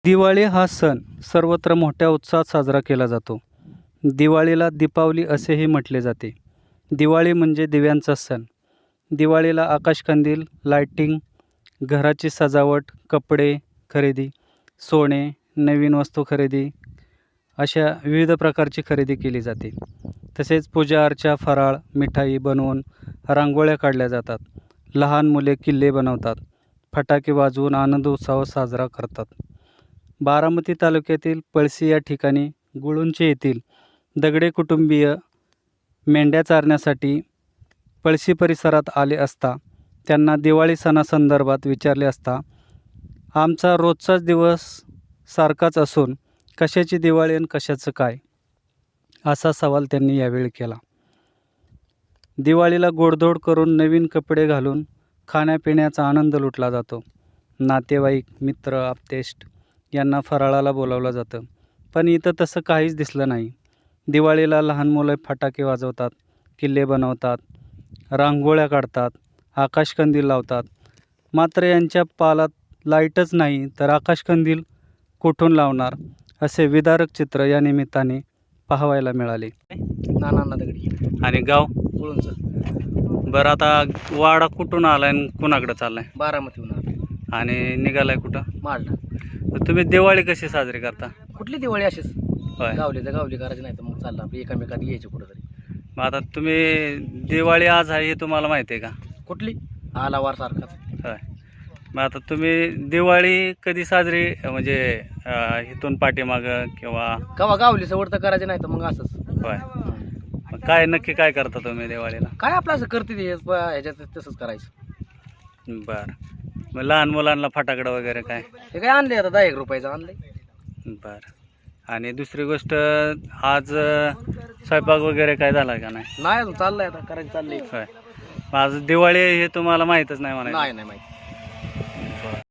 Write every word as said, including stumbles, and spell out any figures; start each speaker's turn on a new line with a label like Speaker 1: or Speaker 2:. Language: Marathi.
Speaker 1: दिवाळी हा सण सर्वत्र मोठ्या उत्साहात साजरा केला जातो. दिवाळीला दीपावली असेही म्हटले जाते. दिवाळी म्हणजे दिव्यांचा सण. दिवाळीला आकाशकंदील, लाइटिंग, घराची सजावट, कपडे खरेदी, सोने, नवीन वस्तू खरेदी अशा विविध प्रकारची खरेदी केली जाते. तसेच पूजा अर्चा, फराळ, मिठाई बनवून रांगोळ्या काढल्या जातात. लहान मुले किल्ले बनवतात. फटाके वाजवून आनंद उत्सव साजरा करतात. बारामती तालुक्यातील पळशी या ठिकाणी गुळुंचे येथील दगडे कुटुंबीय मेंढ्या चारण्यासाठी पळशी परिसरात आले असता त्यांना दिवाळी सणासंदर्भात विचारले असता आमचा रोजचाच दिवस सारखाच असून कशाची दिवाळी आणि कशाचं काय, असा सवाल त्यांनी यावेळी केला. दिवाळीला गोडधोड करून नवीन कपडे घालून खाण्यापिण्याचा आनंद लुटला जातो. नातेवाईक, मित्र, आप्तेष्ट यांना फराळाला बोलावलं जातं. पण इथं तसं काहीच दिसलं नाही. दिवाळीला लहान मुलं फटाके वाजवतात, किल्ले बनवतात, रांगोळ्या काढतात, आकाशकंदील लावतात. मात्र यांच्या पालात लाईटच नाही तर आकाशकंदील कुठून लावणार, असे विदारक चित्र या निमित्ताने पाहायला मिळाले.
Speaker 2: नाना दगडी
Speaker 1: आणि गाव
Speaker 2: गुळूंचं.
Speaker 1: बरं, आता वाडा कुठून आलाय आणि कुणाकडे चाललाय
Speaker 2: बारामतीहून आलो.
Speaker 1: आणि निघालाय कुठं?
Speaker 2: माडला.
Speaker 1: तर तुम्ही दिवाळी कशी साजरी करता?
Speaker 2: कुठली दिवाळी अशीच
Speaker 1: होय.
Speaker 2: गावली तर गावली करायची, नाही तर मग चालला आपली एकामेकात यायची कुठंतरी.
Speaker 1: मग आता तुम्ही दिवाळी आज आहे हे तुम्हाला माहिती आहे का?
Speaker 2: कुठली आला वार सारखाच.
Speaker 1: होय. मग आता तुम्ही दिवाळी कधी साजरी म्हणजे अं, इथून पाठीमागं किंवा
Speaker 2: कवा गावली सवड तर करायची, नाही तर मग असंच.
Speaker 1: होय. मग काय नक्की काय करता तुम्ही दिवाळीला?
Speaker 2: काय आपलं असं करते ते प- ह्याच्यात तसंच करायचं.
Speaker 1: बरं. मग लहान मुलांना फटाकडं वगैरे काय?
Speaker 2: हे काय आणले आता दहा एक रुपयाचं आणलंय.
Speaker 1: बरं. आणि दुसरी गोष्ट, आज अं, स्वयंपाक वगैरे काय झाला का नाही?
Speaker 2: नाही अजून चाललंय, आता करायचं चाललंय.
Speaker 1: होय. मग आज दिवाळी हे तुम्हाला माहीतच नाही म्हणायचं?
Speaker 2: नाही नाही माहिती.